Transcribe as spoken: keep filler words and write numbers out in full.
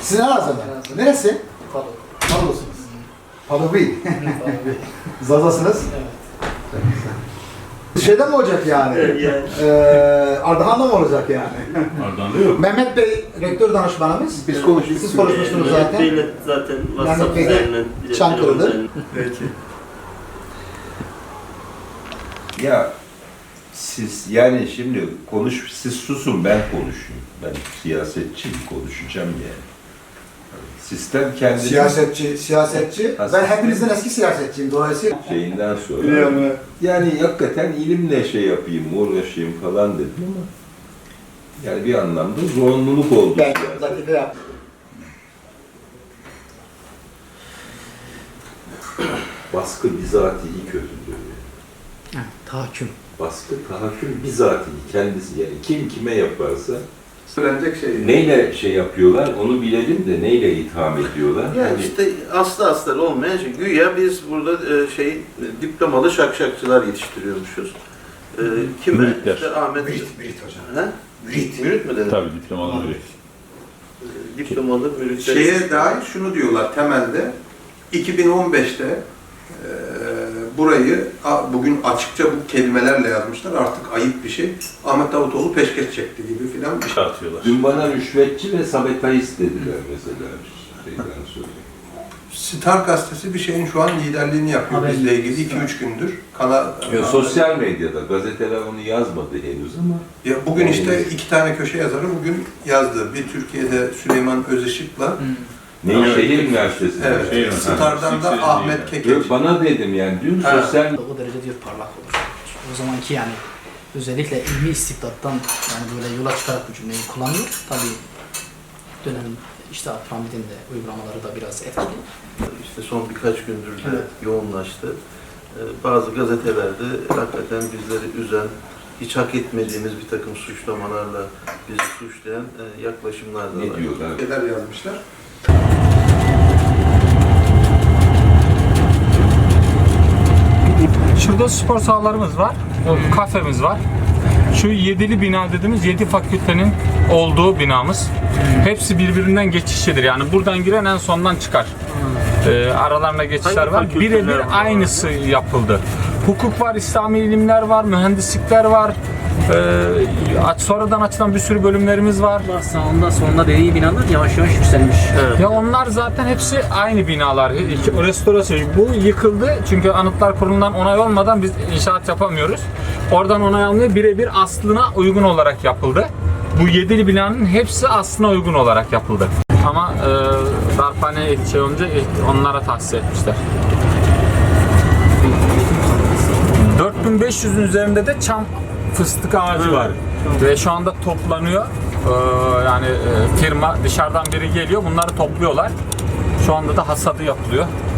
Sizin Elazığ mı? Neresi? Padok. Padok'sunuz. Padok değil. Zazasınız. Evet. Şeyden mi olacak yani? Evet. Ee, Ardahan'da mı olacak yani? Ardahan'da yok. Mehmet Bey, rektör danışmanımız. Biz konuştuk. Siz konuşmuştunuz zaten. Bey'le zaten WhatsApp Bey de üzerinden. Çankırı'da. Peki. Ya siz yani şimdi konuş, siz susun ben konuşayım. Ben siyasetçiyim, konuşacağım yani. Sistem kendini Siyasetçi, siyasetçi. Ben hepinizden eski siyasetçiyim dolayısıyla. şeyinden sonra. Yani hakikaten ilimle şey yapayım, uğraşayım falan dedim ama yani bir anlamda zorunluluk oldu. Ben siyaset. latife yaptım. Baskı bizatihi kötüdür. Evet, tahakküm. Baskı, tahakküm bizatihi kendisi yani kim kime yaparsa Söylenecek şey. neyle şey yapıyorlar onu bilelim de neyle itham ediyorlar. Ya Hani işte aslı astarı olmayan şey. Güya biz burada e, şey e, diplomalı şakşakçılar yetiştiriyormuşuz. E, kime? Müritler. İşte Ahmet. Mürit, mürit hocam. He? Mürit. Mürit mi dedin? Tabii diplomalı biri. E, Diplomalı müritler. Şeye dair şunu diyorlar temelde. iki bin on beşte e, burayı a, bugün açıkça bu kelimelerle yazmışlar. Artık ayıp bir şey. Ahmet Davutoğlu peşkeş çekti gibi filan bir şey. Atıyorlar. dün bana rüşvetçi ve sabotajist dediler mesela. Şeyden söyleyeyim. Star gazetesi bir şeyin şu an liderliğini yapıyor Haber bizle ilgili Star. iki üç gündür. Kana, Ya, sosyal medyada gazeteler onu yazmadı henüz ama Ya bugün işte iki tane köşe yazarı bugün yazdı. Bir Türkiye'de Süleyman Özışık'la Hmm. Nevşehir Üniversitesi'nde. evet, Şehir- Star'dan da Sixers Ahmet değil Kekeç. Bana dedim yani dün Ha. sosyal O derece diyor parlak olur. O zamanki yani özellikle ilmi istibdattan yani böyle yola çıkarak bu cümleyi kullanıyor. Tabii dönem işte Abdülhamid'in de uygulamaları da biraz etkili. İşte son birkaç gündür de Evet. yoğunlaştı. E, bazı gazetelerde hakikaten bizleri üzen, hiç hak etmediğimiz bir takım suçlamalarla bizi suçlayan e, yaklaşımlar da ne var. diyorlar? Şeyler yazmışlar. Şurada spor sahalarımız var, kafemiz var. Şu yedili bina dediğimiz yedi fakültenin olduğu binamız. Hepsi birbirinden geçişlidir. Yani buradan giren en sondan çıkar. Ee, aralarında geçişler Hangi var. fakülteler Birebir var? aynısı yapıldı. Hukuk var, İslami ilimler var, mühendislikler var. Ee, sonradan açılan bir sürü bölümlerimiz var. Sağında sonunda dediği binalar yavaş yavaş yükselmiş. Evet. Ya onlar zaten hepsi aynı binalar. İki- Restorasyon. Bu yıkıldı çünkü Anıtlar Kurulu'ndan onay olmadan biz inşaat yapamıyoruz. Oradan onay alınıyor. Birebir aslına uygun olarak yapıldı. Bu yedili binanın hepsi aslına uygun olarak yapıldı. Ama e, darphane şey olunca e, onlara tahsis etmişler. dört bin beş yüzün üzerinde de çam fıstık ağacı var. Ve şu anda toplanıyor. Ee, yani e, firma dışarıdan biri geliyor, bunları topluyorlar. Şu anda da hasadı yapılıyor.